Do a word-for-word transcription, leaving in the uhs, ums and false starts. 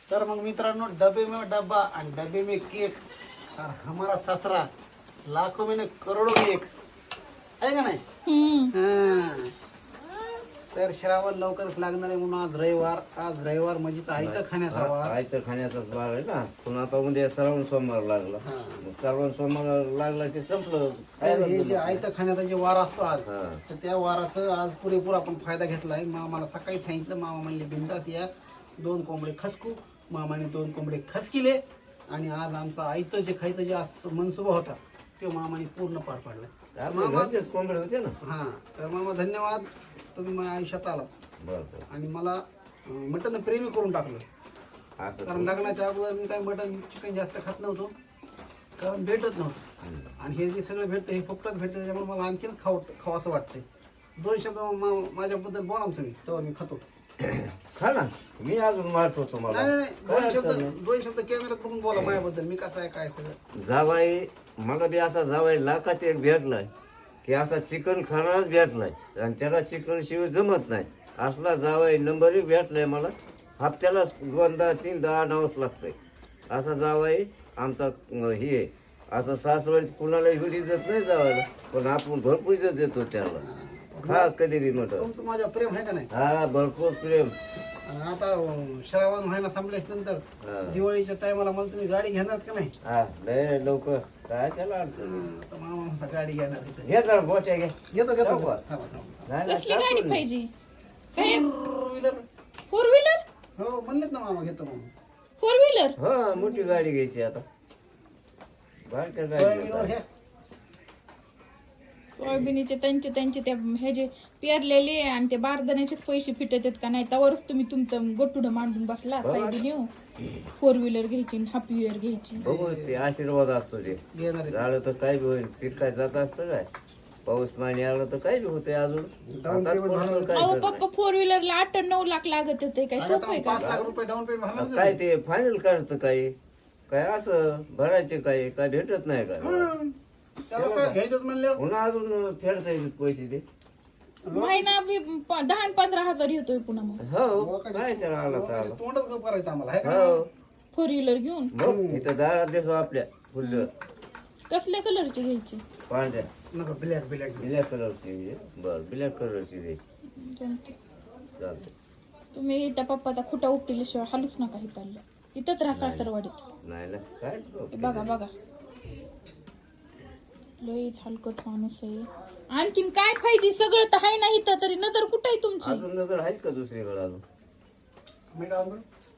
तर मग मित्रांनो, डबे में डब्बा आणि डबे में केक और हमारा ससरा लाखों में करोड़ों में एक आहे का नाही? हां. तर श्रावण लवकरच लागणार आहे म्हणून आज रविवार आज रविवार म्हणजे आयतं खाण्याचा वार. आयतं खाण्याचाच वार आहे ना. पुन्हा आता उद्या श्रावण सोमवार लागला. श्रावण सोमवार लागला की संपलं. तर हे जे आयतं खाण्याचा जे वार असतो आज, हा. तर त्या वाराचं आज पुरेपूर आपण फायदा घेतला आहे. मामाला सकाळी सांगितलं, मामा म्हणले बिंदास या, दोन कोंबडे खसकू. मामाने दोन कोंबडे खसकिले आणि आज आमचा आयतं जे खायचं जे आज मनसुबा होता तो मामाने पूर्ण पार पाडला. आपल्या घरचेच कोंबडे होते ना. हा, तर मामा धन्यवाद, तुम्ही माझ्या आयुष्यात आलात बरं आणि मला अं, मटण प्रेमी करून टाकलं. असं कारण लग्नाच्या अगोदर मी काही मटण चिकन जास्त खात नव्हतो, कारण भेटत नव्हतं. आणि हे जे सगळं भेटतं हे फुकटात भेटतं, त्याच्यामुळे मला आणखीनच खाव खावं असं वाटतंय. दोन शब्द मा- माझ्याबद्दल बोला ना तुम्ही, तेव्हा मी खातो. खा ना. मी अजून मारतो तुम्हाला. नाही नाही नाही, काय दोन शब्द अडचण नाही. दोन शब्द कॅमेऱ्यात बघून बोला माझ्याबद्दल, मी कसं आहे काय सगळं. जावाई मला बी असा जावाई लाखाच एक भेटलाय की असा चिकन खाणारच भेटलाय आणि त्याला चिकन शिवाय जमत नाही. असला जावाई नंबर एक भेटलाय मला. हप्त्याला दोनदा तीनदा आणावंच लागतंय. असा जावाई आमचा अं, हे आहे. असं सासवड कुणाला एवढी इज्जत नाही जावायला, पण आपण भरपूर इज्जत देतो त्याला. खा कधी बी म्हटलं. तुमचं माझ्या प्रेम आहे का नाही? हा भरपूर प्रेम. आणि आता अं, श्रावण महिना संपल्याच्या नंतर हा. दिवाळीच्या टायमाला मला तुम्ही गाडी घेणार का नाही? हा लय लवकर काय त्याला अडचण नाही. हं, आता मामा म्हणता गाडी घेणार आहे. घे जरा बोशा घे. घेतो घेतो जाऊ का? थांबा, थांबा. नाही, नाही, कसली गाडी टाकून दे. पाहिजे? काय फोर व्हीलर फोर व्हीलर? हो म्हणलेत ना मामा, घेतो म्हणून. Four wheeler? हा मोठी गाडी घ्यायची आता. बारक्या सोयाबीनवर गाडी घ्या. सोयाबीनचे त्यांचे त्यांचे त्या हे जे पेरलेले आणि ते बारदाण्याचेच पैसे फिटत आहेत का नाही, त्यावरच तुम्ही तुमचं गोटुडं मांडून बसला. साईडून येऊ फोर व्हीलर घ्यायची, हाफ व्हीलर घ्यायची. बघू ते आशीर्वाद असतो ते. घेणार आहे. झालं तर काय बी होईल. पीक काय जात असतं काय. पाऊस पाणी आलं तर काय बी होते अजून. Down आता payment कोणाला भरावं. काय अहो करणार? पप्पा, फोर व्हीलरला आठ नऊ लाख लागत होते, काय आणि सोपं आहे आता का? पाच लाख रुपये डाऊन पेमेंट भरणार आता काय ते फायनल करायचं काय काय असं भरायचे काय काय भेटत नाही काय. त्याला काय घ्यायचंच म्हणलं. पुन्हा अजून फेडता येईल पैसे ते. महिना बी प- दहा आणि पंधरा हजार येतोय पुन्हा मग हो काय त्याला आला तर आला. तोंडच गप करायचं आम्हाला, है का? हो फोर व्हीलर घेऊन. बघ इथं दारात देतो आपल्या फुल कसल्या कलरचे घ्यायचे? पांढऱ्या नको ब्लॅक ब्लॅक. ब्लॅक कलरची. बर ब्लॅक कलरची घ्यायची. चालतंय. चालते. तुम्ही त्या पप्पाचा खुटा उपटिल्याशिवाय हालूच नका इथं. इथंच राहा सासरवाडीत. नाही ना काय हे बघा बघा, लईच हलकट माणूस आहे. आणखीन काय पाहिजे? सगळं तर आहे ना इथं, तरी नजर कुठे आहे तुमची? अजून नजर आहेच का दुसरीकडे अजून? मीठ आणून दे.